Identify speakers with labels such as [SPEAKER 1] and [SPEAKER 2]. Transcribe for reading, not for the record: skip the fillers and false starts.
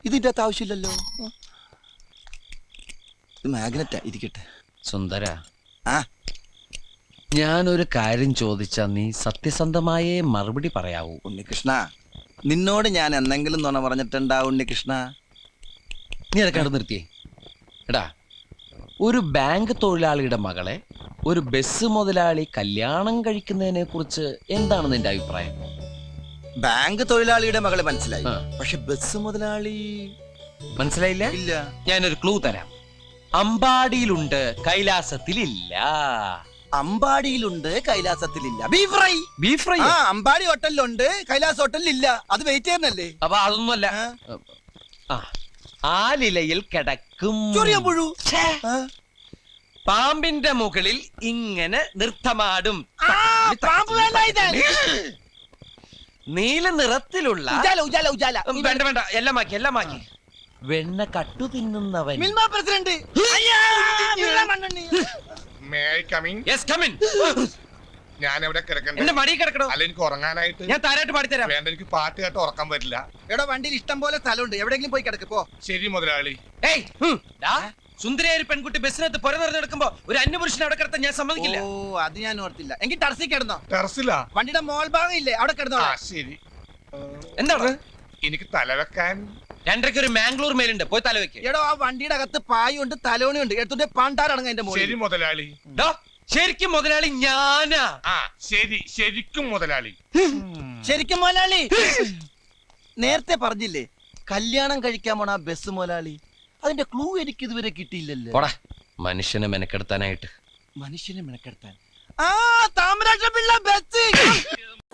[SPEAKER 1] ഇതിന്റെ അകത്ത് ആവശ്യമില്ലല്ലോ. ഇത് മാഗ്നറ്റാ, ഇരിക്കട്ടെ.
[SPEAKER 2] സുന്ദര,
[SPEAKER 1] ആ
[SPEAKER 2] ഞാനൊരു കാര്യം ചോദിച്ചാ നീ സത്യസന്ധമായേ മറുപടി പറയാവൂ.
[SPEAKER 1] ഉണ്ണികൃഷ്ണ, നിന്നോട് ഞാൻ എന്തെങ്കിലും നുണ പറഞ്ഞിട്ടുണ്ടാ ഉണ്ണികൃഷ്ണ?
[SPEAKER 2] നീ അതൊക്കെ അവിടെ നിർത്തിയേ. എടാ, ഒരു ബാങ്ക് തൊഴിലാളിയുടെ മകളെ ഒരു ബസ് മുതലാളി കല്യാണം കഴിക്കുന്നതിനെ കുറിച്ച് എന്താണ് നിന്റെ അഭിപ്രായം?
[SPEAKER 1] ബാങ്ക് തൊഴിലാളിയുടെ മകളെ മനസ്സിലായി,
[SPEAKER 2] ആ.
[SPEAKER 1] പക്ഷെ ബസ് മുതലാളി
[SPEAKER 2] മനസ്സിലായില്ല?
[SPEAKER 1] ഇല്ല.
[SPEAKER 2] ഞാനൊരു ക്ലൂ തരാം. അമ്പാടിയിലുണ്ട്, കൈലാസത്തിലില്ല.
[SPEAKER 1] അമ്പാടിയിലുണ്ട്, കൈലാസത്തിലില്ല. Beef fry.
[SPEAKER 2] Beef fry.
[SPEAKER 1] ആ, അമ്പാടി ഹോട്ടലിലുണ്ട്, കൈലാസ് ഹോട്ടലിലില്ല. അത് വെയിറ്റ് ചെയ്യുന്നല്ലേ?
[SPEAKER 2] അപ്പൊ അതൊന്നുമല്ല. ആ, ആലിലയിൽ കിടക്കും
[SPEAKER 1] ചൊറിയാമ്പുഴു.
[SPEAKER 2] പാമ്പിന്റെ മുകളിൽ ഇങ്ങനെ നൃത്തമാടും. നീല നിറത്തിലുള്ള വേണ്ട വേണ്ട, എല്ലാം മാക്കി, എല്ലാം മാക്കി. വെണ്ണ കട്ടു തിന്നുന്നവൻ.
[SPEAKER 1] Milma president.
[SPEAKER 2] Yes, come in.
[SPEAKER 3] ഞാൻ എവിടെ കിടക്കണ്ടേ?
[SPEAKER 2] എന്റെ മടി കിടക്കണോ?
[SPEAKER 3] അല്ല, എനിക്ക് ഉറങ്ങാനായിട്ട്.
[SPEAKER 2] ഞാൻ താരായിട്ട് പാടിത്തരാം.
[SPEAKER 3] വേണ്ട, എനിക്ക് പാട്ട് കേട്ട് ഉറക്കാൻ പറ്റില്ല.
[SPEAKER 1] എടോ, വണ്ടിയിൽ ഇഷ്ടം പോലെ സ്ഥലമുണ്ട്, എവിടെയെങ്കിലും പോയി കിടക്ക് പോ.
[SPEAKER 3] ശരി മുതലാളി.
[SPEAKER 2] ഏയ്, സുന്ദരിയായ ഒരു പെൺകുട്ടി ബസ്സിനകത്ത് പുര നിറഞ്ഞെടുക്കുമ്പോ ഒരു അന്യപുരുഷനെ അവിടെ കിടത്താൻ ഞാൻ സമ്മതിക്കില്ല.
[SPEAKER 1] ഓ, അത് ഞാൻ ഓർത്തില്ല. എങ്കിൽ ടർസി കിടന്നോ.
[SPEAKER 3] ടെറസിലാ?
[SPEAKER 1] വണ്ടിയുടെ മോൾ ഭാഗം ഇല്ലേ, അവിടെ കിടന്നോ.
[SPEAKER 3] ആ, ശരി.
[SPEAKER 2] എന്താണ്?
[SPEAKER 3] എനിക്ക് തലവെക്കാൻ
[SPEAKER 2] 2:30 ഒരു മാംഗ്ലൂർ മേലുണ്ട്, പോയി തലവെക്ക്.
[SPEAKER 1] എടോ, ആ വണ്ടിയുടെ അകത്ത് പായുണ്ട്, തലോണിയുണ്ട്, എടുത്തുണ്ട് പാണ്ടാറടങ്ങ എന്റെ മോളിൽ.
[SPEAKER 3] ശരി മുതലാളി.
[SPEAKER 2] ശരിക്കും മുതലാളി ഞാനാ.
[SPEAKER 3] ആ, ശരി, ശരിക്കും മുതലാളി.
[SPEAKER 1] ശരിക്കും മുതലാളി. നേരത്തെ പറഞ്ഞില്ലേ കല്യാണം കഴിക്കാൻ പോണ ആ ബസ് മുതലാളി? അതിന്റെ ക്ലൂ എനിക്ക് ഇതുവരെ കിട്ടിയില്ലല്ലോ.
[SPEAKER 2] പോടാ, മനുഷ്യനെ മെനക്കെടുത്താനായിട്ട്.
[SPEAKER 1] മനുഷ്യനെ മെനക്കെടുത്താൻ. ആ, താമരാക്ഷ പിള്ള ബസ്.